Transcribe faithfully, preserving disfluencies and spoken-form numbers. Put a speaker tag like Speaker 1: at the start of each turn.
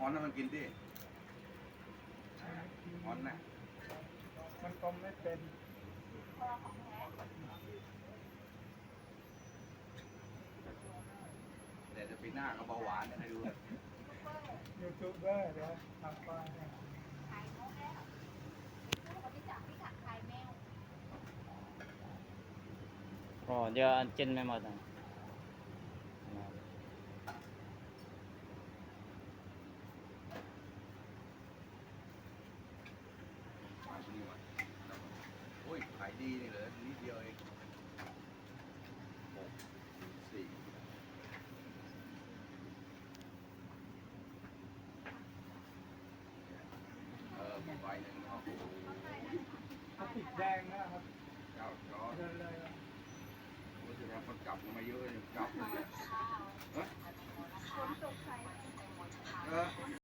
Speaker 1: อนให้มันกินดิออนนะ
Speaker 2: มันก็ไม่เป็น
Speaker 1: แต่จะปีหน้าก็เบาหวานให้ดู
Speaker 2: ยูทูบเบอร์เดี๋ยวทำป้ายให้
Speaker 3: Ồ, giờ ăn chân mấy một rồi.
Speaker 1: Ôi, phải đi này nữa, đi đi ơi. Một,สี่เออมีใบหนึ่งโอ้โห
Speaker 2: เขาติดแดงนะครับ
Speaker 1: เจ้าจอ
Speaker 2: เดินเลยอะ
Speaker 1: โอ้ยจะทำคนกลับมาเยอะเลยกลับเลยอ่ะเออ